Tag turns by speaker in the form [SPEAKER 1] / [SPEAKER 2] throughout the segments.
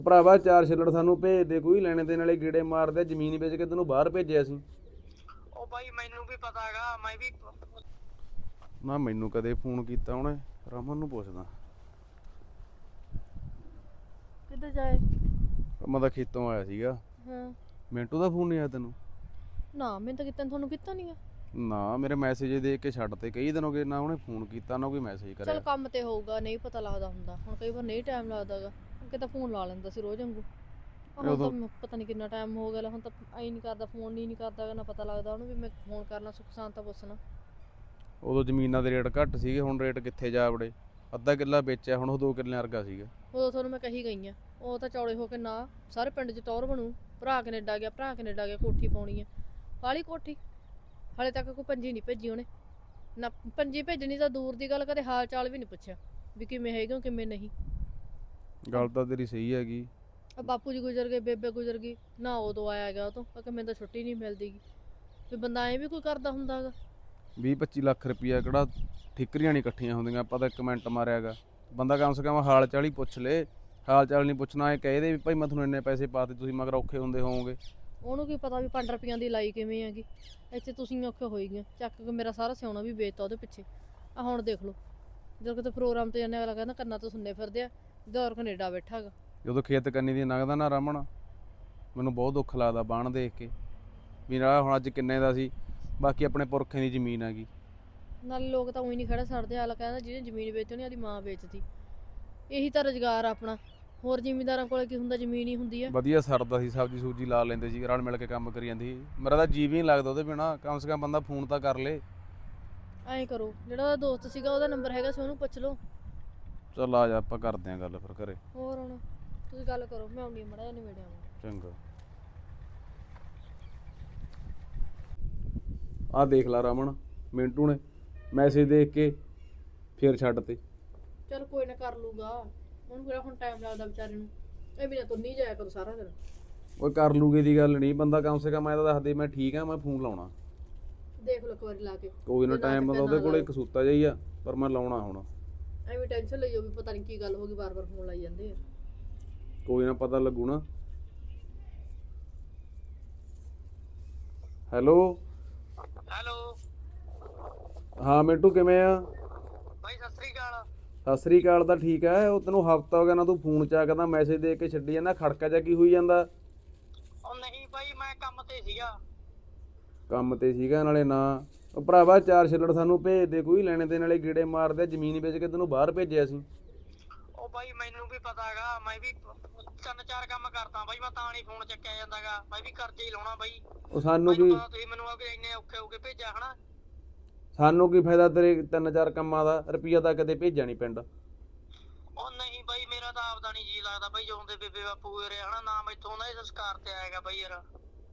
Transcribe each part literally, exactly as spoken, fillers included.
[SPEAKER 1] ਭਰਾਵਾ ਚਾਰ ਛਿੱਲੜ ਸਾਨੂੰ ਭੇਜ ਦੇ, ਕੋਈ ਲੈਣੇ ਦੇਣ ਵਾਲੇ ਗੇੜੇ ਮਾਰਦੇ, ਜ਼ਮੀਨ ਵੇਚ ਕੇ ਤੈਨੂੰ ਬਾਹਰ ਭੇਜਿਆ ਸੀ।
[SPEAKER 2] ਉਹ ਬਾਈ ਮੈਨੂੰ ਵੀ ਪਤਾ ਹੈਗਾ, ਮੈਂ ਵੀ
[SPEAKER 1] ਨਾ ਮੈਨੂੰ ਕਦੇ ਫੋਨ ਕੀਤਾ ਉਹਨੇ, ਰਮਨ ਨੂੰ ਪੁੱਛਦਾ।
[SPEAKER 3] ਕਿੱਧਰ ਜਾਏ?
[SPEAKER 1] ਮੈਂ ਤਾਂ ਖੇਤੋਂ ਆਇਆ ਸੀਗਾ।
[SPEAKER 3] ਹਾਂ।
[SPEAKER 1] ਮਿੰਟੂ ਦਾ ਫੋਨ ਨਹੀਂ ਆਇਆ ਤੈਨੂੰ?
[SPEAKER 3] ਨਾ ਮੈਨੂੰ ਤਾਂ ਕੀਤਾ, ਤੁਹਾਨੂੰ ਕੀਤਾ ਨਹੀਂ ਆ।
[SPEAKER 1] ਨਾ ਮੇਰੇ ਮੈਸੇਜ ਦੇਖ ਕੇ ਛੱਡ ਤੇ, ਕਈ ਦਿਨ ਹੋ ਗਏ ਨਾ ਉਹਨੇ ਫੋਨ ਕੀਤਾ ਨਾ ਕੋਈ ਮੈਸੇਜ ਕਰਿਆ।
[SPEAKER 3] ਚਲ ਕੰਮ ਤੇ ਹੋਊਗਾ, ਨਹੀਂ ਪਤਾ ਲੱਗਦਾ ਹੁੰਦਾ, ਹੁਣ ਕਈ ਵਾਰ ਨਹੀਂ ਟਾਈਮ ਲੱਗਦਾਗਾ। ਅੱਗੇ ਤਾਂ ਫੋਨ ਲਾ ਲੈਂਦਾ ਸੀ ਰੋਜ਼ ਵਾਂਗੂ, ਹੁਣ ਤਾਂ ਪਤਾ ਨਹੀਂ ਕਿੰਨਾ ਟਾਈਮ ਹੋ ਗਿਆ, ਹੁਣ ਤਾਂ ਐ ਨਹੀਂ ਕਰਦਾ, ਫੋਨ ਨਹੀਂ ਨਹੀਂ ਕਰਦਾ, ਨਾ ਪਤਾ ਲੱਗਦਾ ਉਹਨੂੰ ਵੀ ਮੈਂ ਫੋਨ ਕਰਨਾ, ਸੁੱਖ ਸ਼ਾਂਤ ਤਾਂ ਪੁੱਛਣਾ।
[SPEAKER 1] ਉਦੋਂ ਜ਼ਮੀਨਾਂ ਦੇ ਰੇਟ ਘੱਟ ਸੀਗੇ, ਹੁਣ ਰੇਟ ਕਿੱਥੇ ਜਾ ਵੜੇ। ਅੱਧਾ ਕਿੱਲਾ ਵੇਚਿਆ, ਹੁਣ ਉਹ ਦੋ ਕਿੱਲੇ ਵਰਗਾ ਸੀਗਾ।
[SPEAKER 3] ਉਦੋਂ ਤੁਹਾਨੂੰ ਮੈਂ ਕਹੀ ਗਈ ਆ, ਉਹ ਤਾਂ ਚੌੜੇ ਹੋ ਕੇ ਨਾ ਸਾਰੇ ਪਿੰਡ 'ਚ ਟੌਰ ਬਣੂ, ਭਰਾ ਕੈਨੇਡਾ ਗਿਆ, ਭਰਾ ਕੈਨੇਡਾ ਗਿਆ, ਕੋਠੀ ਪਾਉਣੀ ਆ, ਕਾਹਲੀ ਕੋਠੀ। ਹਾਲੇ ਤੱਕ ਕੋਈ ਪੰਜੀ ਨਹੀਂ ਭੇਜੀ ਉਹਨੇ, ਨਾ ਪੰਜੀ ਭੇਜਣੀ ਤਾਂ ਦੂਰ ਦੀ ਗੱਲ, ਕਦੇ ਹਾਲ ਚਾਲ ਵੀ ਨਹੀਂ ਪੁੱਛਿਆ ਵੀ ਕਿਵੇਂ ਹੈਗੇ ਹੋ ਕਿਵੇਂ ਨਹੀਂ।
[SPEAKER 1] ਗੱਲ ਤਾਂ ਤੇਰੀ ਸਹੀ ਹੈਗੀ।
[SPEAKER 3] ਆ ਬਾਪੂ ਜੀ ਗੁਜ਼ਰ ਗਏ, ਬੇਬੇ ਗੁਜ਼ਰ ਗਈ, ਨਾ ਉਦੋਂ ਆਇਆ ਗਿਆ ਉਹ ਤੋਂ, ਕਿ ਮੈਨੂੰ ਤਾਂ ਛੁੱਟੀ ਨਹੀਂ ਮਿਲਦੀ ਵੀ ਬੰਦਾ ਐਂ ਵੀ ਕੋਈ ਕਰਦਾ ਹੁੰਦਾ ਹੈਗਾ।
[SPEAKER 1] ਵੀਹ ਪੱਚੀ ਲੱਖ ਰੁਪਈਆ ਕਿਹੜਾ ਠਿਕਰੀਆਂ ਨਹੀਂ ਇਕੱਠੀਆਂ ਹੁੰਦੀਆਂ। ਆਪਾਂ ਤਾਂ ਇੱਕ ਮਿੰਟ ਮਾਰਿਆਗਾ, ਬੰਦਾ ਕਮ ਸੇ ਕਮ ਹਾਲ ਚਾਲ ਹੀ ਪੁੱਛ ਲੇ। ਹਾਲ ਚਾਲ ਨਹੀਂ ਪੁੱਛਣਾ, ਇਹ ਕਹਿ ਦੇ ਵੀ ਭਾਈ ਮੈਂ ਤੁਹਾਨੂੰ ਇੰਨੇ ਪੈਸੇ ਪਾਤੇ, ਤੁਸੀਂ ਮਗਰ ਔਖੇ ਹੁੰਦੇ ਹੋਵੋਗੇ।
[SPEAKER 3] ਉਹਨੂੰ ਕੀ ਪਤਾ ਵੀ ਪੰਜ ਰੁਪਈਆਂ ਦੀ ਲਾਈ ਕਿਵੇਂ ਹੈਗੀ, ਇੱਥੇ ਤੁਸੀਂ ਔਖੇ ਹੋਈ ਗਏ, ਚੱਕ ਕੇ ਮੇਰਾ ਸਾਰਾ ਸਿਆਉਣਾ ਵੀ ਵੇਚਤਾ ਉਹਦੇ ਪਿੱਛੇ। ਆ ਹੁਣ ਦੇਖ ਲਓ, ਜਦੋਂ ਕਿਤੇ ਪ੍ਰੋਗਰਾਮ ਤੇ ਜਾਂਦੇ ਅਗਲਾ ਕਹਿੰਦਾ ਕੰਨਾਂ ਤੋਂ ਸੁਣਨੇ ਫਿਰਦੇ ਆ, ਦੌਰ ਕੈਨੇਡਾ ਬੈਠਾ ਹੈਗਾ।
[SPEAKER 1] ਜਦੋਂ ਖੇਤ ਕੰਨੀ ਦੀ ਲੰਘਦਾ ਨਾ ਰਮਨ, ਮੈਨੂੰ ਬਹੁਤ ਦੁੱਖ ਲੱਗਦਾ ਬਾਣ ਦੇਖ ਕੇ ਵੀ ਨਾ ਹੁਣ ਅੱਜ ਕਿੰਨੇ ਦਾ ਸੀ, ਬਾਕੀ ਆਪਣੇ ਪੁਰਖਿਆਂ ਦੀ ਜ਼ਮੀਨ ਹੈਗੀ।
[SPEAKER 3] ਨਾਲੇ ਲੋਕ ਤਾਂ ਉਹੀ ਨਹੀਂ ਖੜਾ ਛੱਡਦੇ, ਹਾਲ ਕਹਿੰਦਾ ਜਿਹਨੇ ਜ਼ਮੀਨ ਵੇਚੀ ਉਹਨੇ ਆਦੀ ਮਾਂ ਵੇਚਤੀ। ਇਹੀ ਤਾਂ ਰੁਜ਼ਗਾਰ ਆਪਣਾ, ਹੋਰ ਜ਼ਿਮੀਂਦਾਰਾਂ ਕੋਲ ਕੀ ਹੁੰਦਾ, ਜ਼ਮੀਨ ਹੀ ਹੁੰਦੀ ਆ।
[SPEAKER 1] ਵਧੀਆ ਸਰਦਾ ਸੀ, ਸਬਜ਼ੀ ਸੂਜੀ ਲਾ ਲੈਂਦੇ ਸੀ, ਰਲ ਮਿਲ ਕੇ ਕੰਮ ਕਰੀ ਜਾਂਦੀ ਸੀ। ਮੇਰਾ ਤਾਂ ਜੀਅ ਵੀ ਨਹੀਂ ਲੱਗਦਾ ਉਹਦੇ ਬਿਨਾਂ, ਕਮ ਸੇ ਕਮ ਬੰਦਾ ਫੋਨ ਤਾਂ ਕਰ ਲੇ।
[SPEAKER 3] ਐਂ ਕਰੋ, ਜਿਹੜਾ ਉਹਦਾ ਦੋਸਤ ਸੀਗਾ ਉਹਦਾ ਨੰਬਰ ਹੈਗਾ ਸੀ, ਉਹਨੂੰ ਪੁੱਛ ਲਓ।
[SPEAKER 1] ਚੱਲ ਆ ਜਾ, ਆਪਾਂ ਕਰਦੇ ਆਂ ਗੱਲ ਫਿਰ ਘਰੇ।
[SPEAKER 3] ਹੋਰ ਹੁਣ ਤੁਸੀਂ ਗੱਲ ਕਰੋ, ਮੈਂ ਆਉਂਦੀ ਮੜਾ ਜਿਹਾ ਨਿਬੇੜਿਆ ਵਾਂ।
[SPEAKER 1] ਚੰਗਾ। ਆਹ ਦੇਖ ਲਾ ਰਮਨ, ਮਿੰਟੂ ਨੇ ਮੈਸੇਜ ਦੇਖ ਕੇ ਫੇਰ ਛੱਡ ਤੇ।
[SPEAKER 3] ਚਲ ਕੋਈ ਨਾ, ਕਰ ਲੂਗਾ, ਹੁਣ ਕਿਹੜਾ ਹੁਣ ਟਾਈਮ ਲੱਗਦਾ ਵਿਚਾਰੇ ਨੂੰ, ਇਹ ਵੀ ਨਾ ਤੁੰਨੀ ਜਾਇਆ ਕਰੋ ਸਾਰਾ ਦਿਨ।
[SPEAKER 1] ਓਏ ਕਰ ਲੂਗੇ ਦੀ ਗੱਲ ਨਹੀਂ, ਬੰਦਾ ਕਮ ਸੇ ਕਮ ਮੈਂ ਤਾਂ ਦੱਸ ਦੇ ਮੈਂ ਠੀਕ ਆ, ਮੈਂ ਫੋਨ ਲਾਉਣਾ।
[SPEAKER 3] ਦੇਖ ਲਓ ਇੱਕ ਵਾਰੀ ਲਾ ਕੇ।
[SPEAKER 1] ਕੋਈ ਨਾ, ਟਾਈਮ ਮਤਲਬ ਉਹਦੇ ਕੋਲ ਇੱਕ ਸੂਤਾ ਜਿਹਾ ਹੀ ਆ, ਪਰ ਮੈਂ ਲਾਉਣਾ ਹੁਣ।
[SPEAKER 3] ਐਵੇਂ ਟੈਨਸ਼ਨ ਲਈ ਜਾਓ ਵੀ ਪਤਾ ਨਹੀਂ ਕੀ ਗੱਲ ਹੋ ਗਈ, ਵਾਰ ਵਾਰ ਫੋਨ ਲਾਈ ਜਾਂਦੇ ਆ।
[SPEAKER 1] ਕੋਈ ਨਾ, ਪਤਾ ਲੱਗੂ ਨਾ। ਹੈਲੋ
[SPEAKER 2] ਹੈਲੋ
[SPEAKER 1] ਹਾਂ ਮਿੰਟੂ, ਕਿਵੇਂ ਆ?
[SPEAKER 2] ਬਾਈ ਸਤਿ ਸ੍ਰੀ ਅਕਾਲ।
[SPEAKER 1] ਸਤਿ ਸ੍ਰੀ ਅਕਾਲ ਤਾਂ ਠੀਕ ਹੈ, ਉਹ ਤੈਨੂੰ ਹਫਤਾ ਹੋ ਗਿਆ ਨਾ ਤੂੰ ਫੋਨ ਚੱਕਦਾ, ਮੈਸੇਜ ਦੇ ਕੇ ਛੱਡੀ ਜਾਂਦਾ, ਖੜਕਾ ਜਾ ਕੀ ਹੋਈ ਜਾਂਦਾ?
[SPEAKER 2] ਉਹ ਨਹੀਂ ਬਾਈ, ਮੈਂ ਕੰਮ ਤੇ ਸੀਗਾ।
[SPEAKER 1] ਕੰਮ ਤੇ ਸੀਗਾ ਨਾਲੇ ਨਾ। ਉਹ ਭਰਾਵਾ ਚਾਰ ਛਿੱਲੜ ਸਾਨੂੰ ਭੇਜ ਦੇ, ਕੋਈ ਲੈਣੇ ਦੇਣ ਵਾਲੇ ਗੇੜੇ ਮਾਰਦੇ, ਜ਼ਮੀਨ ਵੇਚ ਕੇ ਤੈਨੂੰ ਬਾਹਰ ਭੇਜਿਆ ਸੀ।
[SPEAKER 2] ਉਹ ਬਾਈ ਮੈਨੂੰ ਵੀ ਪਤਾ ਹੈਗਾ, ਮੈਂ ਵੀ ਤਿੰਨ ਚਾਰ ਕੰਮ ਕਰਦਾ ਬਾਈ, ਮੈਂ ਤਾਂ ਨਹੀਂ ਫੋਨ ਚੱਕਿਆ ਜਾਂਦਾਗਾ, ਮੈਂ ਵੀ ਕਰਜ਼ੇ ਹੀ ਲਾਉਣਾ ਬਾਈ।
[SPEAKER 1] ਉਹ ਸਾਨੂੰ ਕੀ,
[SPEAKER 2] ਤੁਸੀਂ ਮੈਨੂੰ ਆ ਕੇ ਇੰਨੇ ਔਖੇ ਹੋ ਕੇ ਭੇਜਿਆ ਹਨਾ।
[SPEAKER 1] ਸਾਨੂੰ ਕੀ ਫਾਇਦਾ ਤੇਰੇ ਤਿੰਨ ਚਾਰ ਕੰਮਾਂ ਦਾ, ਰੁਪਈਆ ਤਾਂ ਕਦੇ ਭੇਜਿਆ ਨਹੀਂ ਪਿੰਡ।
[SPEAKER 2] ਉਹ ਨਹੀਂ ਬਾਈ, ਮੇਰਾ ਤਾਂ ਆਪਦਾ ਨਹੀਂ ਜੀ ਲੱਗਦਾ ਬਾਈ, ਜਦੋਂ ਦੇ ਬੇਬੇ ਬਾਪੂ ਹੋਏ ਹਨਾ, ਨਾ ਮੈਥੋਂ ਉਹਨਾਂ ਦੇ ਸੰਸਕਾਰ ਤੇ ਆਏਗਾ ਬਾਈ ਯਾਰ।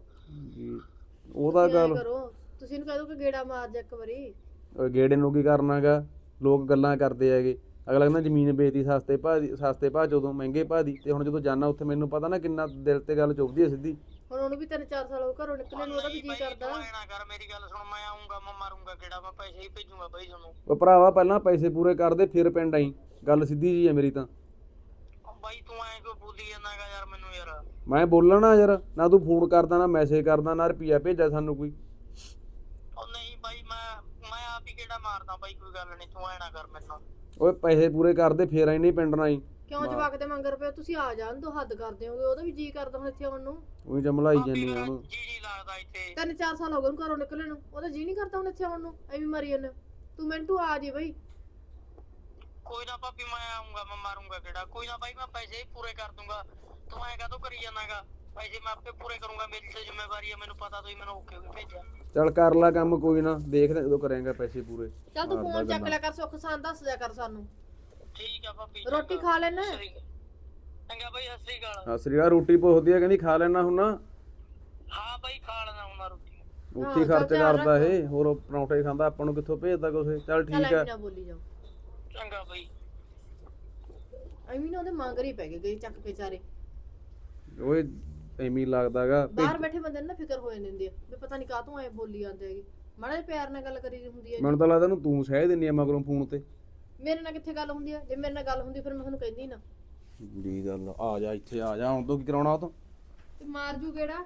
[SPEAKER 1] ਉਹਦਾ ਗੱਲ
[SPEAKER 3] ਕਰੋ, ਤੁਸੀਂ ਇਹਨੂੰ ਕਹਿ ਦੋ ਕਿ ਗੇੜਾ ਮਾਰ ਜਾ ਇੱਕ ਵਾਰੀ।
[SPEAKER 1] ਗੇੜੇ ਨੂੰ ਕੀ ਕਰਨਾਗਾ, ਲੋਕ ਗੱਲਾਂ ਕਰਦੇ ਹੈਗੇ। ਅਗਲਾ ਕਹਿੰਦਾ ਜ਼ਮੀਨ ਵੇਚਦੀ ਸਸਤੇ ਭਾਅ ਦੀ, ਸਸਤੇ ਭਾਅ ਜਦੋਂ ਮਹਿੰਗੇ ਭਾਅ ਦੀ, ਤੇ ਹੁਣ ਜਦੋਂ ਜਾਣਾ ਉੱਥੇ ਮੈਨੂੰ ਪਤਾ ਨਾ ਕਿੰਨਾ ਦਿਲ ਤੇ ਗੱਲ ਚੁੱਭਦੀ ਹੈ ਸਿੱਧੀ।
[SPEAKER 3] ਹੁਣ ਉਹਨੂੰ ਵੀ ਤਿੰਨ ਚਾਰ ਸਾਲ ਹੋ ਘਰੋਂ ਨਿਕਲੇ ਨੂੰ, ਉਹਦਾ ਵੀ ਜੀ ਕਰਦਾ।
[SPEAKER 2] ਨਾ ਕਰ, ਮੇਰੀ ਗੱਲ ਸੁਣ, ਮੈਂ ਆਉਂਗਾ, ਮੈਂ ਮਾਰੂੰਗਾ ਗੇੜਾ, ਮੈਂ ਪੈਸੇ ਹੀ ਭੇਜੂਗਾ ਬਾਈ ਤੁਹਾਨੂੰ।
[SPEAKER 1] ਉਹ ਭਰਾਵਾ ਪਹਿਲਾਂ ਪੈਸੇ ਪੂਰੇ ਕਰਦੇ ਫਿਰ ਪਿੰਡ ਆਈ, ਗੱਲ ਸਿੱਧੀ ਜੀ ਹੈ ਮੇਰੀ ਤਾਂ।
[SPEAKER 2] ਬਾਈ ਤੂੰ ਐਂ ਕਿਉਂ ਬੋਲੀ ਜਾਂਦਾ ਹੈਗਾ ਯਾਰ ਮੈਨੂੰ ਯਾਰ?
[SPEAKER 1] ਮੈਂ ਬੋਲਣਾ ਯਾਰ, ਨਾ ਤੂੰ ਫੋਨ ਕਰਦਾ, ਨਾ ਮੈਸੇਜ ਕਰਦਾ, ਨਾ ਰੁਪਈਆ ਭੇਜਿਆ ਸਾਨੂੰ ਕੋਈ।
[SPEAKER 2] ਉਹ ਨਹੀਂ ਬਾਈ, ਮੈਂ ਮੈਂ ਆਪ ਹੀ ਗੇੜਾ ਮਾਰਦਾ ਬਾਈ, ਕੋਈ ਗੱਲ ਨਹੀਂ, ਤੂੰ ਐਂ ਨਾ ਕਰ ਮੈਨੂੰ।
[SPEAKER 1] ਓਏ ਪੈਸੇ ਪੂਰੇ ਕਰਦੇ ਫੇਰ ਆਈ ਨਹੀਂ ਪਿੰਡ ਨਾ ਆਈ।
[SPEAKER 3] ਕਿਉਂ ਜਵਾਕ ਦੇ ਮੰਗਰ ਪਿਆ, ਤੁਸੀਂ ਆ ਜਾਣ ਦੋ, ਹੱਦ ਕਰਦੇ ਹੋਗੇ, ਉਹਦਾ ਵੀ ਜੀ ਕਰਦਾ ਹੁਣ ਇੱਥੇ ਆਉਣ ਨੂੰ।
[SPEAKER 1] ਉਹੀ ਜਮਲਾਈ ਜਾਂਦੀ ਉਹਨੂੰ।
[SPEAKER 2] ਜੀ ਜੀ ਲੱਗਦਾ ਇੱਥੇ।
[SPEAKER 3] ਤਿੰਨ ਚਾਰ ਸਾਲ ਹੋ ਗਏ ਉਹਨੂੰ ਘਰੋਂ ਨਿਕਲੇ ਨੂੰ, ਉਹਦਾ ਜੀ ਨਹੀਂ ਕਰਦਾ ਹੁਣ ਇੱਥੇ ਆਉਣ ਨੂੰ, ਐਵੇਂ ਮਰੀ ਜਾਂਦੇ। ਤੂੰ ਮਿੰਟੂ ਆ ਜੀ ਬਈ।
[SPEAKER 2] ਕੋਈ ਨਾ ਭਾਬੀ, ਮੈਂ ਆਉਂਗਾ, ਮੈਂ ਮਾਰੂੰਗਾ ਗੇੜਾ, ਕੋਈ ਨਾ ਬਾਈ, ਮੈਂ ਪੈਸੇ ਪੂਰੇ ਕਰ ਦੂੰਗਾ, ਤੂੰ ਐਂ ਕਾਹਤੋਂ ਕਰੀ ਜਾਂਦਾਗਾ? ਪੈਸੇ ਮੈਂ ਆਪੇ ਪੂਰੇ ਕਰੂੰਗਾ, ਮੇਰੀ ਤੇ ਜ਼ਿੰਮੇਵਾਰੀ ਹੈ, ਮੈਨੂੰ ਪਤਾ ਤੁਸੀਂ ਮੈਨੂੰ ਓਕੇ ਹੋ ਭੇਜਿਆ।
[SPEAKER 1] ਚੱਲ ਕਰ ਲੈ ਕੰਮ, ਕੋਈ ਨਾ ਦੇਖਦੇ ਜਦੋਂ ਕਰੇਂਗਾ ਪੈਸੇ ਪੂਰੇ।
[SPEAKER 3] ਚੱਲ ਤੂੰ ਫੋਨ ਚੱਕ ਲਿਆ ਕਰ, ਸੁੱਖ ਸਾਨ ਦੱਸ ਦਿਆ ਕਰ ਸਾਨੂੰ।
[SPEAKER 2] ਠੀਕ ਆ ਭਾਬੀ।
[SPEAKER 3] ਰੋਟੀ ਖਾ ਲੈਣਾ?
[SPEAKER 2] ਚੰਗਾ ਬਾਈ, ਸਤਿ ਸ੍ਰੀ ਅਕਾਲ।
[SPEAKER 1] ਸਤਿ ਸ੍ਰੀ ਅਕਾਲ। ਰੋਟੀ ਪੁੱਛਦੀ ਆ, ਕਹਿੰਦੀ ਖਾ ਲੈਣਾ ਹੁਣ ਨਾ।
[SPEAKER 2] ਹਾਂ ਬਾਈ, ਖਾ ਲੈਣਾ ਹੁਣ ਰੋਟੀ।
[SPEAKER 1] ਉੱਥੇ ਖਰਚ ਕਰਦਾ ਇਹ, ਹੋਰ ਪਰੌਂਠੇ ਖਾਂਦਾ, ਆਪਾਂ ਨੂੰ ਕਿੱਥੋਂ ਭੇਜਦਾ ਕੁਛ। ਚੱਲ ਠੀਕ ਆ,
[SPEAKER 3] ਨਾ ਬੋਲੀ ਜਾਓ।
[SPEAKER 2] ਚੰਗਾ ਬਾਈ।
[SPEAKER 3] ਐਵੇਂ ਨਾ ਉਹਦੇ ਮੰਗਰ ਹੀ ਪੈ ਗਏ, ਗਏ ਚੱਕ ਕੇ ਚਾਰੇ।
[SPEAKER 1] ਓਏ ਐਵੇਂ ਲੱਗਦਾਗਾ,
[SPEAKER 3] ਬਾਹਰ ਬੈਠੇ ਬੰਦੇ ਨੂੰ ਨਾ ਫਿਕਰ ਹੋ ਜਾਂਦੀ ਆ ਵੀ ਪਤਾ ਨਹੀਂ ਕਾਹਤੋਂ ਐ ਬੋਲੀ ਜਾਂਦੇ ਹੈਗੇ। ਮਾੜਾ ਜਿਹਾ ਪਿਆਰ ਨਾਲ ਗੱਲ ਕਰੀ ਹੁੰਦੀ ਹੈ।
[SPEAKER 1] ਮੈਨੂੰ ਤਾਂ ਲੱਗਦਾ ਨੂੰ ਤੂੰ ਸਹਿ ਦਿੰਨੀ ਆ ਮਗਰੋਂ ਫੋਨ ਤੇ।
[SPEAKER 3] ਮੇਰੇ ਨਾਲ ਕਿੱਥੇ ਗੱਲ ਹੁੰਦੀ ਆ? ਜੇ ਮੇਰੇ ਨਾਲ ਗੱਲ ਹੁੰਦੀ ਫਿਰ ਮੈਂ ਤੁਹਾਨੂੰ ਕਹਿੰਦੀ ਨਾ।
[SPEAKER 1] ਦੀ ਗੱਲ ਆ ਜਾ ਇੱਥੇ ਆ ਜਾ, ਹੁਣ ਤੋਂ ਕੀ ਕਰਾਉਣਾ ਉਹ ਤੋਂ?
[SPEAKER 3] ਤੇ ਮਾਰ ਜੂ ਕਿਹੜਾ?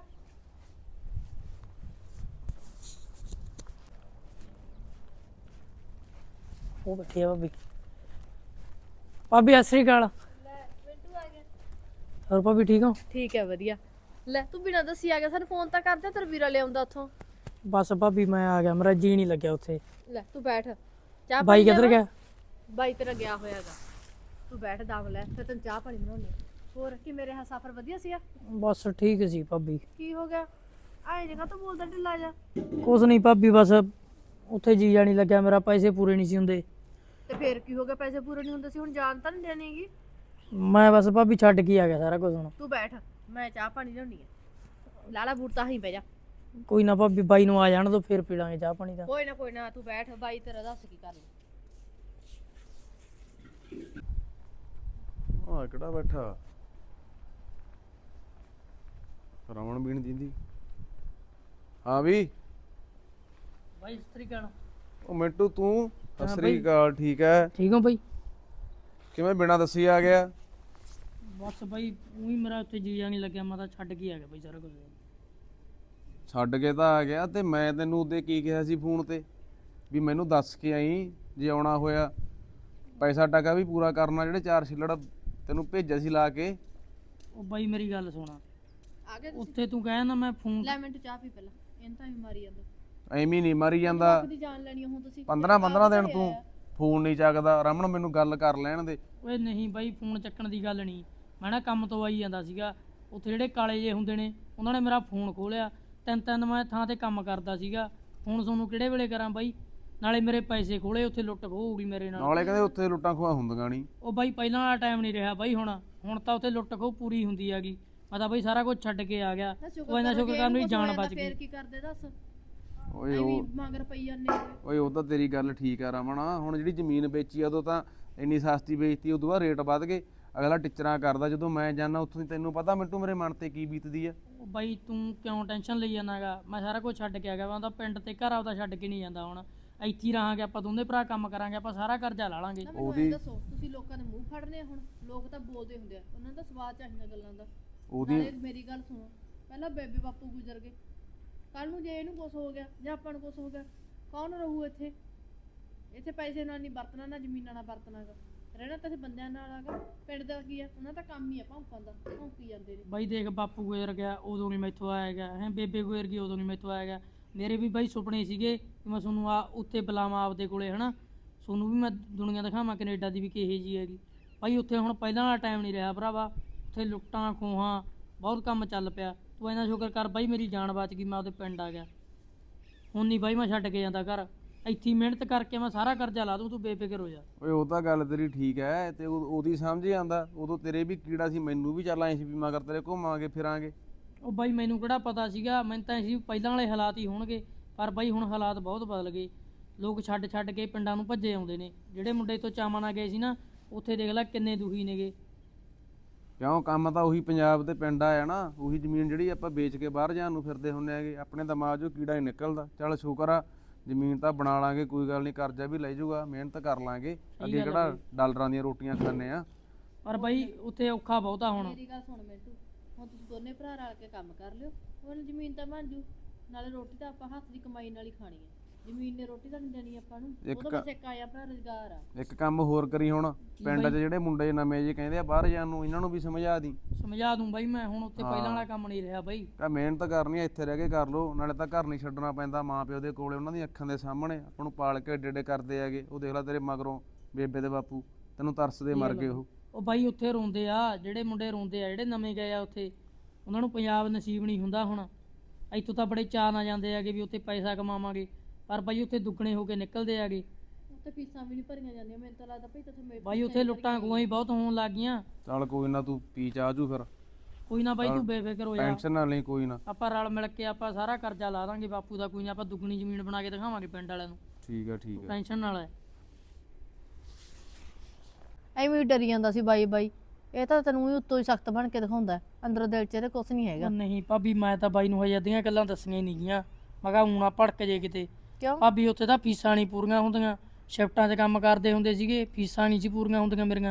[SPEAKER 4] ਉਹ ਬੈਠੀ ਆ ਭਾਬੀ। ਭਾਬੀ ਸਤਿ ਸ੍ਰੀ ਅਕਾਲ।
[SPEAKER 3] ਲੈ ਮਿੰਟੂ ਆ ਗਿਆ।
[SPEAKER 4] ਹੋਰ ਭਾਬੀ ਠੀਕ ਹੋ?
[SPEAKER 3] ਠੀਕ ਹੈ ਵਧੀਆ। ਲੈ ਤੂੰ ਬਿਨਾਂ ਦੱਸੀ ਆ ਗਿਆ, ਸਾਨੂੰ ਫੋਨ ਤਾਂ ਕਰਦੇ ਤੇਰਾ ਵੀਰਾ ਲਿਆਉਂਦਾ ਉੱਥੋਂ।
[SPEAKER 4] ਬਸ ਭਾਬੀ ਮੈਂ ਆ ਗਿਆ, ਮੇਰਾ ਜੀ ਨਹੀਂ ਲੱਗਿਆ ਉੱਥੇ।
[SPEAKER 3] ਲੈ ਤੂੰ ਬੈਠ, ਚਾਹ
[SPEAKER 4] ਬਾਈ
[SPEAKER 3] ਪਾਣੀ
[SPEAKER 4] ਕਿੱਧਰ
[SPEAKER 3] ਲਿਆਵਾਂ?
[SPEAKER 4] ਗਿਆ?
[SPEAKER 3] ਬਾਈ ਤੇਰਾ ਗਿਆ ਹੋਇਆਗਾ। ਤੂੰ ਬੈਠ ਦਮ ਲੈ, ਫਿਰ ਤੈਨੂੰ ਚਾਹ ਪਾਣੀ ਬਣਾਉਣੀ ਆ। ਹੋਰ ਕੀ ਮੇਰੇ ਹਾਂ ਸਫ਼ਰ ਵਧੀਆ ਸੀਗਾ?
[SPEAKER 4] ਬਸ ਠੀਕ ਸੀ ਭਾਬੀ।
[SPEAKER 3] ਕੀ ਹੋ ਗਿਆ ਆਏ ਜਗ੍ਹਾ ਤੋਂ ਬੋਲਦਾ ਢਿੱਲਾ ਜਾ?
[SPEAKER 4] ਕੁਛ ਨਹੀਂ ਭਾਬੀ, ਬਸ ਉੱਥੇ ਜੀ ਜਾਣੀ ਲੱਗਿਆ ਮੇਰਾ, ਪੈਸੇ ਪੂਰੇ ਨਹੀਂ ਸੀ ਹੁੰਦੇ।
[SPEAKER 3] ਤੇ ਫੇਰ ਕੀ ਹੋ ਗਿਆ? ਪੈਸੇ ਪੂਰੇ ਨਹੀਂ ਹੁੰਦੇ ਸੀ, ਹੁਣ ਜਾਨ ਤਾਂ ਨਹੀਂ ਦੇਣੀਗੀ।
[SPEAKER 4] ਮੈਂ ਬਸ ਭਾਬੀ ਛੱਡ ਕੇ ਆ ਗਿਆ ਸਾਰਾ ਕੁਝ। ਹੁਣ
[SPEAKER 3] ਤੂੰ ਬੈਠ, ਮੈਂ ਚਾਹ ਪਾਣੀ ਲਿਆਉਣੀ ਆ। ਲਾਲਾ ਬੂਟ ਤਾਂ ਹੀ ਬਹਿ ਜਾ।
[SPEAKER 4] ਕੋਈ ਨਾ ਭਾਬੀ, ਬਾਈ ਨੂੰ ਆ ਜਾਣ ਦੋ, ਫਿਰ ਪੀ ਲਾਂਗੇ ਚਾਹ ਪਾਣੀ ਦਾ।
[SPEAKER 3] ਕੋਈ ਨਾ ਕੋਈ ਨਾ, ਤੂੰ ਬੈਠ। ਬਾਈ ਤੇਰਾ ਦੱਸ ਕੀ ਕਰਨਾ।
[SPEAKER 1] ਆ ਕਿਹੜਾ ਬੈਠਾ? ਰਮਣ ਵੀ ਨਹੀਂ ਦਿੰਦੀ। ਹਾਂ ਵੀ
[SPEAKER 4] ਬਾਈ ਸਤਿ ਸ੍ਰੀ ਅਕਾਲ।
[SPEAKER 1] ਉਹ ਮਿੰਟੂ ਤੂੰ? ਸਤਿ
[SPEAKER 4] ਹਾਂ
[SPEAKER 1] ਸ੍ਰੀ
[SPEAKER 4] ਬਈ।
[SPEAKER 1] ਅਕਾਲ। ਠੀਕ ਹੈ?
[SPEAKER 4] ਠੀਕ ਹੋ ਬਾਈ?
[SPEAKER 1] ਕਿਵੇਂ ਬਿਨਾਂ ਦੱਸੀ ਆ ਗਿਆ?
[SPEAKER 4] ਬਸ ਬਾਈ ਉਹੀ ਮੇਰਾ ਉੱਥੇ ਜੀ ਜਾਣੀ ਲੱਗਿਆ, ਮੈਂ ਤਾਂ ਛੱਡ ਕੇ ਆ ਗਿਆ ਬਾਈ ਸਾਰਾ ਕੁਝ।
[SPEAKER 1] ਛੱਡ ਕੇ ਤਾਂ ਆ ਗਿਆ, ਤੇ ਮੈਂ ਤੈਨੂੰ ਉਹਦੇ ਕੀ ਕਿਹਾ ਸੀ ਫੋਨ ਤੇ ਵੀ ਮੈਨੂੰ ਦੱਸ ਕੇ ਆਈ ਜੇ ਆਉਣਾ ਹੋਇਆ। ਪੈਸਾ ਟਕਾ ਵੀ ਪੂਰਾ ਕਰਨਾ, ਜਿਹੜੇ ਚਾਰ ਛਿੱਲੜ ਤੈਨੂੰ ਭੇਜਿਆ ਸੀ ਲਾ ਕੇ।
[SPEAKER 4] ਉਹ ਬਾਈ ਮੇਰੀ ਗੱਲ ਸੁਣਾ,
[SPEAKER 3] ਆ ਗਿਆ ਤੁਸੀਂ?
[SPEAKER 4] ਉੱਥੇ ਤੂੰ ਕਹਿ ਨਾ ਮੈਂ ਫੋਨ
[SPEAKER 3] ਲੈ ਮਿੰਟੂ ਚਾਹ ਪੀ ਪਹਿਲਾਂ, ਇਹਨਾਂ ਤਾਂ ਵੀ ਮਾਰੀ ਜਾਂਦਾ।
[SPEAKER 1] ਐਵੇਂ ਨਹੀਂ ਮਾਰੀ ਜਾਂਦਾ।
[SPEAKER 3] ਦੀ ਜਾਨ ਲੈਣੀ ਆ ਹੁਣ ਤੁਸੀਂ।
[SPEAKER 1] ਪੰਦਰਾਂ ਪੰਦਰਾਂ ਦਿਨ ਤੂੰ ਫੋਨ ਨਹੀਂ ਚੱਕਦਾ। ਰਮਣ ਮੈਨੂੰ ਗੱਲ ਕਰ ਲੈਣ ਦੇ।
[SPEAKER 4] ਓਏ ਨਹੀਂ ਬਾਈ, ਫੋਨ ਚੱਕਣ ਦੀ ਗੱਲ ਨਹੀਂ। ਮੈਂ ਨਾ ਕੰਮ ਤੋਂ ਆਈ ਜਾਂਦਾ ਸੀਗਾ, ਉੱਥੇ ਜਿਹੜੇ ਕਾਲੇ ਜੇ ਹੁੰਦੇ ਨੇ ਉਹਨਾਂ ਨੇ ਮੇਰਾ ਫੋਨ ਖੋਲਿਆ। ਤਿੰਨ ਤਿੰਨ ਮੈਂ ਥਾਂ ਤੇ ਕੰਮ ਕਰਦਾ ਸੀਗਾ। ਹੁਣ ਤੁਹਾਨੂੰ ਕਿਹੜੇ ਵੇਲੇ ਕਰਾਂ ਬਾਈ? ਨਾਲੇ ਮੇਰੇ ਪੈਸੇ ਖੋਲੇ, ਉੱਥੇ ਲੁੱਟ ਖੋਹ ਹੋ ਗਈ ਮੇਰੇ ਨਾਲ।
[SPEAKER 1] ਨਾਲੇ ਕਹਿੰਦੇ ਉੱਥੇ ਲੁੱਟਾਂ ਖੋਹਾਂ ਹੁੰਦੀਆਂ ਨਹੀਂ।
[SPEAKER 4] ਉਹ ਬਾਈ ਪਹਿਲਾਂ ਵਾਲਾ ਟਾਈਮ ਨਹੀਂ ਰਿਹਾ ਬਾਈ। ਹੁਣ ਹੁਣ ਤਾਂ ਉੱਥੇ ਲੁੱਟ ਖੋਹ ਪੂਰੀ ਹੁੰਦੀ ਹੈਗੀ। ਮੈਂ ਤਾਂ ਬਾਈ ਸਾਰਾ ਕੁਝ ਛੱਡ ਕੇ ਆ ਗਿਆ। ਉਹ ਇਹਨਾਂ ਸ਼ੁਕਰ ਕਰਨ ਵੀ ਜਾਨ ਬਚ
[SPEAKER 3] ਫੇਰ
[SPEAKER 4] ਗਈ।
[SPEAKER 3] ਕੀ ਕਰਦੇ ਦੱਸ?
[SPEAKER 1] ਓਏ
[SPEAKER 3] ਐਵੇਂ
[SPEAKER 1] ਉਹ
[SPEAKER 3] ਮਗਰ ਪਈ ਜਾਂਦੇ।
[SPEAKER 1] ਓਏ ਉਹ ਤਾਂ ਤੇਰੀ ਗੱਲ ਠੀਕ ਆ ਰਮਣ। ਹੁਣ ਜਿਹੜੀ ਜ਼ਮੀਨ ਵੇਚੀ ਆ ਉਦੋਂ ਤਾਂ ਇੰਨੀ ਸਸਤੀ ਵੇਚਤੀ, ਉਦੋਂ ਬਾਅਦ ਰੇਟ ਵੱਧ ਗਏ। ਅਗਲਾ ਟਿਚਰਾਂ ਕਰਦਾ। ਜਦੋਂ ਮੈਂ ਜਾਂਦਾ ਉੱਥੋਂ, ਤੈਨੂੰ ਪਤਾ ਮਿੰਟੂ ਮੇਰੇ ਮਨ ਤੇ ਕੀ ਬੀਤਦੀ ਆ।
[SPEAKER 4] ਉਹ ਬਾਈ ਤੂੰ ਕਿਉਂ ਟੈਨਸ਼ਨ ਲਈ ਜਾਂਦਾਗਾ? ਮੈਂ ਸਾਰਾ ਕੁਝ ਛੱਡ ਕੇ ਆ ਗਿਆ। ਮੈਂ ਤਾਂ ਪਿੰਡ ਤੇ ਘਰ ਆਪਦਾ ਛੱਡ ਕੇ ਨਹੀਂ ਜਾਂਦਾ। ਹੁਣ ਇੱਥੇ ਹੀ ਰਹਾਂਗੇ ਆਪਾਂ, ਦੋਨੇ ਭਰਾ ਕੰਮ ਕਰਾਂਗੇ, ਆਪਾਂ ਸਾਰਾ ਕਰਜ਼ਾ ਲਾ ਲਾਂਗੇ।
[SPEAKER 3] ਨਾ ਮੈਨੂੰ ਇਹ ਦੱਸੋ, ਤੁਸੀਂ ਲੋਕਾਂ ਦੇ ਮੂੰਹ ਫੜਨੇ ਆ? ਹੁਣ ਲੋਕ ਤਾਂ ਬੋਲਦੇ ਹੁੰਦੇ ਆ, ਉਹਨਾਂ ਦਾ ਸਵਾਦ ਚਾਹੀਦਾ ਗੱਲਾਂ ਦਾ।
[SPEAKER 1] ਉਹਦੀ
[SPEAKER 3] ਨਾਲੇ ਮੇਰੀ ਗੱਲ ਸੁਣੋ, ਪਹਿਲਾਂ ਬੇਬੇ ਬਾਪੂ ਗੁਜ਼ਰ ਗਏ, ਕੱਲ ਨੂੰ ਜੇ ਇਹਨੂੰ ਕੁਝ ਹੋ ਗਿਆ ਜਾਂ ਆਪਾਂ ਨੂੰ ਕੁਝ ਹੋ ਗਿਆ, ਕੌਣ ਰਹੂ ਇੱਥੇ? ਇੱਥੇ ਪੈਸੇ ਨਾਲ ਨਹੀਂ ਵਰਤਣਾ, ਨਾ ਜ਼ਮੀਨਾਂ ਨਾਲ ਵਰਤਣਾਗਾ। ਰਹਿਣਾ ਤਾਂ ਇੱਥੇ ਬੰਦਿਆਂ ਨਾਲ ਆਗਾ। ਪਿੰਡ ਦਾ ਕੀ ਆ, ਉਹਨਾਂ ਦਾ ਕੰਮ ਹੀ ਆ ਭੌਂਕਣ ਦਾ, ਭੌਂਕੀ ਜਾਂਦੇ ਨੇ।
[SPEAKER 4] ਬਾਈ ਦੇਖ, ਬਾਪੂ ਗੁਜ਼ਰ ਗਿਆ ਉਦੋਂ ਨਹੀਂ ਮੈਥੋਂ ਆਇਆ ਗਿਆ ਹੈ, ਬੇਬੇ ਗੁਜ਼ਰ ਗਈ ਉਦੋਂ ਨਹੀਂ ਮੈਥੋਂ ਆਇਆ ਗਿਆ। ਮੇਰੇ ਵੀ ਬਾਈ ਸੁਪਨੇ ਸੀਗੇ ਕਿ ਮੈਂ ਤੁਹਾਨੂੰ ਆ ਉੱਥੇ ਬੁਲਾਵਾਂ ਆਪਦੇ ਕੋਲੇ, ਹਨਾ। ਤੁਹਾਨੂੰ ਵੀ ਮੈਂ ਦੁਨੀਆ ਦਿਖਾਵਾਂ ਕੈਨੇਡਾ ਦੀ ਵੀ ਕਿਹੇ ਜੀ ਹੈਗੀ। ਬਾਈ ਉੱਥੇ ਹੁਣ ਪਹਿਲਾਂ ਵਾਲਾ ਟਾਈਮ ਨਹੀਂ ਰਿਹਾ ਭਰਾਵਾ। ਉੱਥੇ ਲੁੱਟਾਂ ਖੋਹਾਂ ਬਹੁਤ ਕੰਮ ਚੱਲ ਪਿਆ। ਤੂੰ ਇੰਨਾ ਸ਼ੁਕਰ ਕਰ ਬਾਈ, ਮੇਰੀ ਜਾਨ ਬਚ ਗਈ, ਮੈਂ ਉਹਦੇ ਪਿੰਡ ਆ ਗਿਆ। ਹੁਣ ਨਹੀਂ ਬਾਈ ਮੈਂ ਛੱਡ ਕੇ ਜਾਂਦਾ ਘਰ। ਇੱਥੇ ਹੀ ਮਿਹਨਤ ਕਰਕੇ ਮੈਂ ਸਾਰਾ ਕਰਜ਼ਾ ਲਾ ਦੂੰ, ਤੂੰ ਬੇਫਿਕਰ ਹੋ ਜਾ।
[SPEAKER 1] ਓਏ ਉਹ ਤਾਂ ਗੱਲ ਤੇਰੀ ਠੀਕ ਹੈ, ਤੇ ਉਹ- ਉਹਦੀ ਸਮਝ ਹੀ ਆਂਦਾ। ਉਦੋਂ ਤੇਰੇ ਵੀ ਕੀੜਾ ਸੀ, ਮੈਨੂੰ ਵੀ ਚੱਲ ਆਏ ਸੀ ਵੀ ਮਗਰ ਤੇਰੇ ਘੁੰਮਾਂਗੇ ਫਿਰਾਂਗੇ।
[SPEAKER 4] ਉਹ ਬਾਈ ਮੈਨੂੰ ਕਿਹੜਾ ਪਤਾ ਸੀਗਾ? ਮੈਨੂੰ ਤਾਂ ਸੀ ਪਹਿਲਾਂ ਵਾਲੇ ਹਾਲਾਤ ਹੀ ਹੋਣਗੇ, ਪਰ ਬਾਈ ਹੁਣ ਹਾਲਾਤ ਬਹੁਤ ਬਦਲ ਗਏ। ਲੋਕ ਛੱਡ ਛੱਡ ਕੇ ਪਿੰਡਾਂ ਨੂੰ ਭੱਜੇ ਆਉਂਦੇ ਨੇ। ਜਿਹੜੇ ਮੁੰਡੇ ਤੋਂ ਚਾਵਾਂ ਨਾਲ ਗਏ ਸੀ ਨਾ, ਉੱਥੇ ਦੇਖ ਲੈ ਕਿੰਨੇ ਦੁਖੀ ਨੇਗੇ।
[SPEAKER 1] ਕਿਉਂ? ਕੰਮ ਤਾਂ ਉਹੀ ਪੰਜਾਬ ਤੇ ਪਿੰਡ ਆ ਨਾ। ਉਹੀ ਜ਼ਮੀਨ ਜਿਹੜੀ ਆਪਾਂ ਵੇਚ ਕੇ ਬਾਹਰ ਜਾਣ ਨੂੰ ਫਿਰਦੇ ਹੁੰਦੇ ਹੈਗੇ। ਆਪਣੇ ਦਿਮਾਗ 'ਚੋਂ ਕੀੜਾ ਹੀ ਨਿਕਲਦਾ। ਚੱਲ ਸ਼ੁਕਰ ਆ, ਜ਼ਮੀਨ ਤਾਂ ਬਣਾ ਲਾਂਗੇ, ਕੋਈ ਗੱਲ ਨਹੀਂ, ਕਰਜ਼ਾ ਵੀ ਲੈ ਜਾਊਗਾ, ਮਿਹਨਤ ਕਰ ਲਾਂਗੇ। ਅੱਗੇ
[SPEAKER 4] ਗੱਲ ਆ
[SPEAKER 1] ਕਿਹੜਾ
[SPEAKER 4] ਬਈ।
[SPEAKER 1] ਡਾਲਰਾਂ ਦੀਆਂ ਰੋਟੀਆਂ ਖਾਂਦੇ ਆ।
[SPEAKER 4] ਪਰ ਬਾਈ ਉੱਥੇ ਔਖਾ ਬਹੁਤਾ ਹੁਣ।
[SPEAKER 3] ਮੇਰੀ ਗੱਲ ਸੁਣ ਮਿੰਟੂ, ਹੁਣ ਤੁਸੀਂ ਦੋਨੇ ਭਰਾ ਰਲ ਕੇ ਕੰਮ ਕਰ ਲਿਓ, ਹੁਣ ਜ਼ਮੀਨ ਤਾਂ ਬਣ ਜੂ। ਨਾਲੇ ਰੋਟੀ ਤਾਂ ਆਪਾਂ ਹੱਥ ਦੀ ਕਮਾਈ ਨਾਲ ਹੀ ਖਾਣੀ ਹੈ। ਜ਼ਮੀਨ ਨੇ ਰੋਟੀ ਤਾਂ ਨਹੀਂ ਦੇਣੀ ਆਪਾਂ ਨੂੰ।
[SPEAKER 1] ਇੱਕ
[SPEAKER 3] ਉਹਦਾ ਬਸ ਇੱਕ ਆਇਆ ਭਰਾ ਰੁਜ਼ਗਾਰ ਆ।
[SPEAKER 1] ਇੱਕ ਕੰਮ ਹੋਰ ਕਰੀ, ਹੁਣ ਪਿੰਡ 'ਚ ਜਿਹੜੇ ਮੁੰਡੇ ਨਵੇਂ ਜੇ ਕਹਿੰਦੇ ਆ ਬਾਹਰ ਜਾਣ ਨੂੰ, ਇਹਨਾਂ ਨੂੰ ਵੀ ਸਮਝਾ ਦੀ।
[SPEAKER 4] ਸਮਝਾ ਦੂੰ ਬਾਈ ਮੈਂ। ਹੁਣ ਉੱਥੇ ਪਹਿਲਾਂ ਵਾਲਾ ਕੰਮ ਨਹੀਂ ਰਿਹਾ ਬਾਈ।
[SPEAKER 1] ਕਹ ਮਿਹਨਤ ਕਰਨੀ ਆ, ਇੱਥੇ ਰਹਿ ਕੇ ਕਰ ਲੋ। ਨਾਲੇ ਤਾਂ ਘਰ ਨਹੀਂ ਛੱਡਣਾ ਪੈਂਦਾ, ਮਾਂ ਪਿਓ ਦੇ ਕੋਲੇ, ਉਹਨਾਂ ਦੀਆਂ ਅੱਖਾਂ ਦੇ ਸਾਹਮਣੇ ਆਪਾਂ ਨੂੰ ਪਾਲ ਕੇ ਏਡੇ ਏਡੇ ਕਰਦੇ ਹੈਗੇ। ਉਹ ਦੇਖ ਲੈ ਤੇਰੇ ਮਗਰੋਂ ਬੇਬੇ ਦੇ ਬਾਪੂ ਤੈਨੂੰ ਤਰਸਦੇ ਮਰ ਗਏ ਉਹ।
[SPEAKER 4] ਉਹ ਬਾਈ ਉੱਥੇ ਰੋਂਦੇ ਆ, ਜਿਹੜੇ ਮੁੰਡੇ ਰੋਂਦੇ ਆ, ਜਿਹੜੇ ਨਵੇਂ ਗਏ ਆ ਉੱਥੇ, ਉਹਨਾਂ ਨੂੰ ਪੰਜਾਬ ਨਸੀਬ ਨਹੀਂ ਹੁੰਦਾ। ਹੁਣ ਇੱਥੋਂ ਤਾਂ ਬੜੇ ਚਾਅ ਨਾਲ ਜਾਂਦੇ ਹੈਗੇ ਵੀ ਉੱਥੇ ਪੈਸਾ ਕਮਾਵਾਂਗੇ, ਪਰ ਬਾਈ ਉੱਥੇ ਦੁੱਗਣੇ ਹੋ ਕੇ ਨਿਕਲਦੇ ਹੈਗੇ।
[SPEAKER 3] ਉੱਥੇ ਫੀਸਾਂ ਵੀ ਨਹੀਂ ਭਰੀਆਂ ਜਾਂਦੀਆਂ। ਮੈਨੂੰ ਤਾਂ ਲੱਗਦਾ ਭਈ ਤੇ
[SPEAKER 4] ਬਾਈ ਉੱਥੇ ਲੁੱਟਾਂ ਖੋਹਾਂ ਹੀ ਬਹੁਤ ਹੋਣ ਲੱਗ ਗਈਆਂ।
[SPEAKER 1] ਚੱਲ ਕੋਈ ਨਾ, ਤੂੰ ਪੀ ਚਾਹ ਜੂ ਫਿਰ।
[SPEAKER 4] ਕੋਈ ਨਾ ਬਾਈ ਤੂੰ ਬੇਫਿਕਰ ਹੋ ਜਾ।
[SPEAKER 1] ਟੈਨਸ਼ਨ ਨਾ ਲਈ, ਕੋਈ ਨਾ।
[SPEAKER 4] ਆਪਾਂ ਰਲ ਮਿਲ ਕੇ ਆਪਾਂ ਸਾਰਾ ਕਰਜ਼ਾ ਲਾ ਦਾਂਗੇ ਬਾਪੂ ਦਾ। ਕੋਈ ਨਾ, ਆਪਾਂ ਦੁੱਗਣੀ ਜ਼ਮੀਨ ਬਣਾ ਕੇ ਦਿਖਾਵਾਂਗੇ ਪਿੰਡ ਵਾਲਿਆਂ ਨੂੰ।
[SPEAKER 1] ਠੀਕ ਆ ਠੀਕ ਆ।
[SPEAKER 4] ਟੈਨਸ਼ਨ ਨਾਲ ਹੈ।
[SPEAKER 3] ਐਵੇਂ ਹੀ ਡਰੀ ਜਾਂਦਾ ਸੀ ਬਾਈ ਬਾਈ। ਇਹ ਤਾਂ ਤੈਨੂੰ ਹੀ ਉੱਤੋਂ ਹੀ ਸਖਤ ਬਣ ਕੇ ਦਿਖਾਉਂਦਾ, ਅੰਦਰੋਂ ਦਿਲ 'ਚ ਇਹਦੇ ਕੁਛ ਨਹੀਂ ਹੈਗਾ।
[SPEAKER 4] ਉਹ ਨਹੀਂ ਭਾਬੀ, ਮੈਂ ਤਾਂ ਬਾਈ ਨੂੰ ਹਜੇ ਅੱਧੀਆਂ ਗੱਲਾਂ ਦੱਸੀਆਂ ਹੀ ਨਹੀਂ ਗੀਆਂ। ਮੈਂ ਕਿਹਾ ਊਣਾ ਭੜਕ ਜੇ ਕਿਤੇ।
[SPEAKER 3] ਕਿਉਂ?
[SPEAKER 4] ਭਾਬੀ ਉੱਥੇ ਤਾਂ ਫੀਸਾਂ ਨਹੀਂ ਪੂਰੀਆਂ ਹੁੰਦੀਆਂ। ਸ਼ਿਫਟਾਂ 'ਚ ਕੰਮ ਕਰਦੇ ਹੁੰਦੇ ਸੀਗੇ, ਫੀਸਾਂ ਨਹੀਂ ਸੀ ਪੂਰੀਆਂ ਹੁੰਦੀਆਂ ਮੇਰੀਆਂ।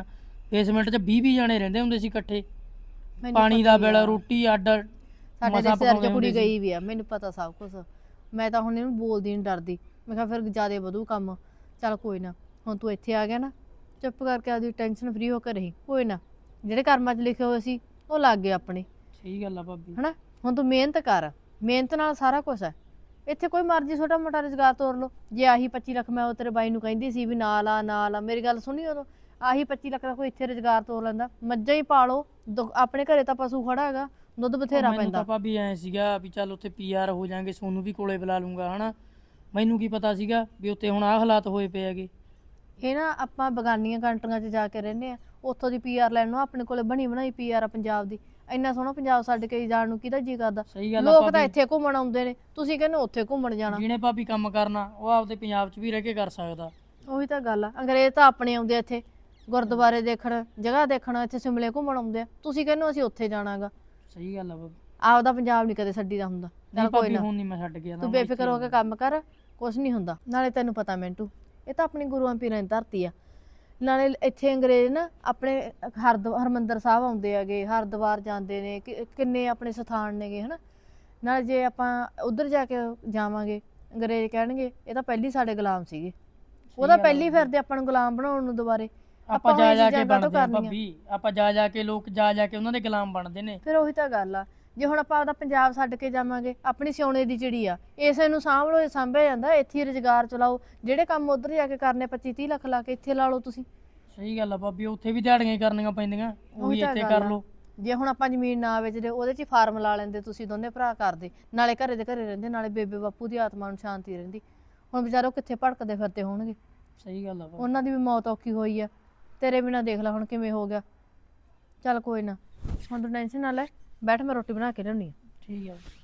[SPEAKER 4] ਬੇਸਮੈਂਟ 'ਚ ਵੀਹ ਵੀਹ ਜਾਣੇ ਰਹਿੰਦੇ ਹੁੰਦੇ ਸੀ ਇਕੱਠੇ।
[SPEAKER 3] ਮੈਨੂੰ
[SPEAKER 4] ਪਾਣੀ
[SPEAKER 3] ਪਤਾ
[SPEAKER 4] ਦਾ
[SPEAKER 3] ਹੀ
[SPEAKER 4] ਬਿੱਲ
[SPEAKER 3] ਆ।
[SPEAKER 4] ਰੋਟੀ ਅੱਡ
[SPEAKER 3] ਸਾਡੇ
[SPEAKER 4] ਮਸਾਂ
[SPEAKER 3] ਰਿਸ਼ਤੇਦਾਰ
[SPEAKER 4] ਪਕਾਉਂਦੇ
[SPEAKER 3] ਚ ਕੁੜੀ
[SPEAKER 4] ਹੁੰਦੇ ਸੀ।
[SPEAKER 3] ਗਈ ਵੀ ਆ, ਮੈਨੂੰ ਪਤਾ ਸਭ ਕੁਝ। ਮੈਂ ਤਾਂ ਹੁਣ ਇਹਨੂੰ ਬੋਲਦੀ ਨਹੀਂ, ਡਰਦੀ। ਮੈਂ ਕਿਹਾ ਫਿਰ ਜ਼ਿਆਦਾ ਵਧੂ ਕੰਮ। ਚੱਲ ਕੋਈ ਨਾ, ਹੁਣ ਤੂੰ ਇੱਥੇ ਆ ਗਿਆ ਨਾ, ਚੁੱਪ ਕਰਕੇ ਆਪਦੀ ਟੈਨਸ਼ਨ ਫਰੀ ਹੋ ਕੇ ਰਹੀ। ਕੋਈ ਨਾ, ਜਿਹੜੇ ਕਰਮਾਂ 'ਚ ਲਿਖੇ ਹੋਏ ਸੀ ਉਹ ਲੱਗ ਗਏ ਆਪਣੇ,
[SPEAKER 4] ਸਹੀ ਗੱਲ ਆ ਭਾਬੀ।
[SPEAKER 3] ਹਨਾ। ਹੁਣ ਤੂੰ ਮਿਹਨਤ ਕਰ, ਮਿਹਨਤ ਨਾਲ ਸਾਰਾ ਕੁਝ ਹੈ। ਇੱਥੇ ਕੋਈ ਮਰਜ਼ੀ ਛੋਟਾ ਮੋਟਾ ਰੁਜ਼ਗਾਰ ਤੋਰ ਲਓ। ਜੇ ਆਹੀ ਪੱਚੀ ਲੱਖ ਮੈਂ ਉਹ ਤੇਰੇ ਬਾਈ ਨੂੰ ਕਹਿੰਦੀ ਸੀ ਵੀ ਨਾਲ ਆ ਨਾਲ ਆ, ਮੇਰੀ ਗੱਲ ਸੁਣੀ ਉਦੋਂ, ਆਹੀ ਪੱਚੀ ਲੱਖ ਦਾ ਕੋਈ ਇੱਥੇ ਰੁਜ਼ਗਾਰ ਤੋਰ ਲੈਂਦਾ। ਮੱਝਾਂ ਹੀ ਪਾਲੋ, ਆਪਣੇ ਘਰੇ ਤਾਂ ਪਸ਼ੂ ਖੜਾ ਹੈਗਾ, ਦੁੱਧ ਬਥੇਰਾ
[SPEAKER 4] ਮੈਨੂੰ
[SPEAKER 3] ਪੈਂਦਾ।
[SPEAKER 4] ਤਾਂ ਭਾਬੀ ਐ ਸੀਗਾ ਵੀ ਚੱਲ ਉੱਥੇ ਪੀਆਰ ਹੋ ਜਾਾਂਗੇ, ਸੋਨੂੰ ਵੀ ਕੋਲੇ ਬੁਲਾ ਲੂੰਗਾ ਹਨਾ। ਮੈਨੂੰ ਕੀ ਪਤਾ ਸੀਗਾ ਵੀ ਉੱਥੇ ਹੁਣ ਆਹ ਹਾਲਾਤ ਹੋਏ ਪਏ ਹੈਗੇ।
[SPEAKER 3] ਇਹ ਨਾ ਆਪਾਂ ਬਗਾਨੀਆਂ ਕੰਟਰੀਆਂ 'ਚ ਜਾ ਕੇ ਰਹਿੰਦੇ ਆ, ਉੱਥੋਂ ਦੀ ਪੀਆਰ ਲੈਣ ਨੂੰ ਆਪਣੇ ਕੋਲੇ ਬਣੀ ਬਣਾਈ ਪੀਆਰ ਆ ਪੰਜਾਬ ਦੀ। ਇੰਨਾ ਸੋਹਣਾ ਪੰਜਾਬ ਛੱਡ ਕੇ ਜਾਣ ਨੂੰ ਕਿਹਦਾ ਜੀ ਕਰਦਾ।
[SPEAKER 4] ਸਹੀ ਗੱਲ ਆ
[SPEAKER 3] ਲੋਕ ਤਾਂ
[SPEAKER 4] ਭਾਬੀ।
[SPEAKER 3] ਇੱਥੇ ਘੁੰਮਣ ਆਉਂਦੇ ਨੇ, ਤੁਸੀਂ ਕਹਿੰਦੇ ਉੱਥੇ ਘੁੰਮਣ ਜਾਣਾ।
[SPEAKER 4] ਜਿਹਨੇ ਭਾਬੀ ਕੰਮ ਕਰਨਾ ਉਹ ਆਪਦੇ ਪੰਜਾਬ 'ਚ ਵੀ ਰਹਿ ਕੇ ਕਰ ਸਕਦਾ।
[SPEAKER 3] ਉਹੀ ਤਾਂ ਗੱਲ ਆ। ਅੰਗਰੇਜ਼ ਤਾਂ ਆਪਣੇ ਆਉਂਦੇ ਆ ਇੱਥੇ ਗੁਰਦੁਆਰੇ ਦੇਖਣ, ਜਗ੍ਹਾ ਦੇਖਣ, ਇੱਥੇ ਸ਼ਿਮਲੇ ਘੁੰਮਣ ਆਉਂਦੇ ਆ। ਤੁਸੀਂ ਕਹਿੰਦੇ ਅਸੀਂ ਉੱਥੇ ਜਾਣਾਗਾ।
[SPEAKER 4] ਸਹੀ ਗੱਲ ਆ ਭਾਬੀ।
[SPEAKER 3] ਆਪਦਾ ਪੰਜਾਬ ਨਹੀਂ ਕਦੇ ਛੱਡੀ ਦਾ ਹੁੰਦਾ।
[SPEAKER 4] ਨਹੀਂ
[SPEAKER 3] ਚੱਲ ਕੋਈ
[SPEAKER 4] ਭਾਬੀ
[SPEAKER 3] ਨਾ,
[SPEAKER 4] ਹੁਣ ਨਹੀਂ ਮੈਂ ਛੱਡ ਗਿਆ ਨਾ,
[SPEAKER 3] ਤੂੰ
[SPEAKER 4] ਮੈਂ
[SPEAKER 3] ਬੇਫਿਕਰ
[SPEAKER 4] ਇੱਥੇ
[SPEAKER 3] ਹੋ ਕੇ ਕੰਮ ਕਰ, ਕੁਛ ਨਹੀਂ ਹੁੰਦਾ। ਨਾਲੇ ਤੈਨੂੰ ਪਤਾ ਮਿੰਟੂ, ਇਹ ਤਾਂ ਆਪਣੀ ਗੁਰੂਆਂ ਪੀਰਾਂ ਦੀ ਧਰਤੀ ਆ। ਨਾਲੇ ਇੱਥੇ ਅੰਗਰੇਜ਼ ਨਾ ਆਪਣੇ ਹਰਦ ਹਰਮੰਦਰ ਸਾਹਿਬ ਆਉਂਦੇ ਹੈਗੇ, ਹਰਿਦੁਆਰ ਜਾਂਦੇ ਨੇ, ਕਿ- ਕਿੰਨੇ ਆਪਣੇ ਸਥਾਨ ਨੇਗੇ, ਹਨਾ। ਨਾਲੇ ਜੇ ਆਪਾਂ ਉਧਰ ਜਾ ਕੇ ਜਾਵਾਂਗੇ, ਅੰਗਰੇਜ਼ ਕਹਿਣਗੇ ਇਹ ਤਾਂ ਪਹਿਲੀ ਸਾਡੇ ਗੁਲਾਮ ਸੀਗੇ, ਉਹਦਾ
[SPEAKER 4] ਗੱਲ ਆ
[SPEAKER 3] ਪਹਿਲੀ
[SPEAKER 4] ਭਾਬੀ।
[SPEAKER 3] ਫਿਰਦੇ ਆਪਾਂ ਨੂੰ ਗੁਲਾਮ ਬਣਾਉਣ ਨੂੰ ਦੁਬਾਰੇ।
[SPEAKER 4] ਆਪਾਂ
[SPEAKER 3] ਹੁਣ
[SPEAKER 4] ਜਾ
[SPEAKER 3] ਇਹ
[SPEAKER 4] ਜਾ ਕੇ
[SPEAKER 3] ਚੀਜ਼ਾਂ ਕਾਹਤੋਂ
[SPEAKER 4] ਬਣਦੇ ਆ
[SPEAKER 3] ਕਰਨੀਆਂ?
[SPEAKER 4] ਭਾਬੀ, ਆਪਾਂ ਜਾ ਜਾ ਕੇ ਲੋਕ ਜਾ ਜਾ ਕੇ ਉਹਨਾਂ ਦੇ ਗੁਲਾਮ ਬਣਦੇ ਨੇ।
[SPEAKER 3] ਫਿਰ ਉਹੀ ਤਾਂ ਗੱਲ ਆ। ਜੇ ਹੁਣ ਆਪਾਂ ਆਪਦਾ ਪੰਜਾਬ ਛੱਡ ਕੇ ਜਾਵਾਂਗੇ, ਆਪਣੀ ਸੋਨੇ ਦੀ ਚਿੜੀ ਆ, ਇਸੇ ਨੂੰ ਸਾਂਭ ਲਓ, ਇਹ ਸਾਂਭਿਆ ਜਾਂਦਾ। ਇੱਥੇ ਹੀ ਰੁਜ਼ਗਾਰ ਚਲਾਓ, ਜਿਹੜੇ ਕੰਮ ਉਧਰ ਜਾ ਕੇ ਕਰਨੇ ਪੱਚੀ ਤੀਹ ਲੱਖ ਲਾ ਕੇ ਇੱਥੇ ਲਾ ਲਓ ਤੁਸੀਂ।
[SPEAKER 4] ਸਹੀ ਗੱਲ ਆ ਭਾਬੀ, ਉੱਥੇ ਵੀ ਦਿਹਾੜੀਆਂ ਹੀ ਕਰਨੀਆਂ ਪੈਂਦੀਆਂ, ਉਹੀ
[SPEAKER 3] ਤਾਂ
[SPEAKER 4] ਇੱਥੇ
[SPEAKER 3] ਗੱਲ
[SPEAKER 4] ਕਰ
[SPEAKER 3] ਆ।
[SPEAKER 4] ਲਓ।
[SPEAKER 3] ਜੇ ਹੁਣ ਆਪਾਂ ਜ਼ਮੀਨ ਨਾ ਵੇਚਦੇ, ਉਹਦੇ 'ਚ ਹੀ ਫਾਰਮ ਲਾ ਲੈਂਦੇ, ਤੁਸੀਂ ਦੋਨੇ ਭਰਾ ਕਰਦੇ, ਨਾਲੇ ਘਰੇ ਦੇ ਘਰੇ ਰਹਿੰਦੇ, ਨਾਲੇ ਬੇਬੇ ਬਾਪੂ ਦੀ ਆਤਮਾ ਨੂੰ ਸ਼ਾਂਤੀ ਰਹਿੰਦੀ। ਹੁਣ ਵਿਚਾਰੋ ਕਿੱਥੇ ਭਟਕਦੇ ਫਿਰਦੇ ਹੋਣਗੇ।
[SPEAKER 4] ਸਹੀ ਗੱਲ ਆ ਭਾਬੀ।
[SPEAKER 3] ਉਹਨਾਂ ਦੀ ਵੀ ਮੌਤ ਔਖੀ ਹੋਈ ਆ, ਤੇਰੇ ਬਿਨਾਂ ਦੇਖ ਲੈ ਹੁਣ ਕਿਵੇਂ ਹੋ ਗਿਆ। ਚੱਲ ਕੋਈ ਨਾ, ਹੁਣ ਤੂੰ ਟੈਨਸ਼ਨ ਨਾ ਲੈ, ਬੈਠ ਮੈਂ ਰੋਟੀ ਬਣਾ ਕੇ ਲਿਆਉਣੀ ਆ।
[SPEAKER 4] ਠੀਕ ਆ।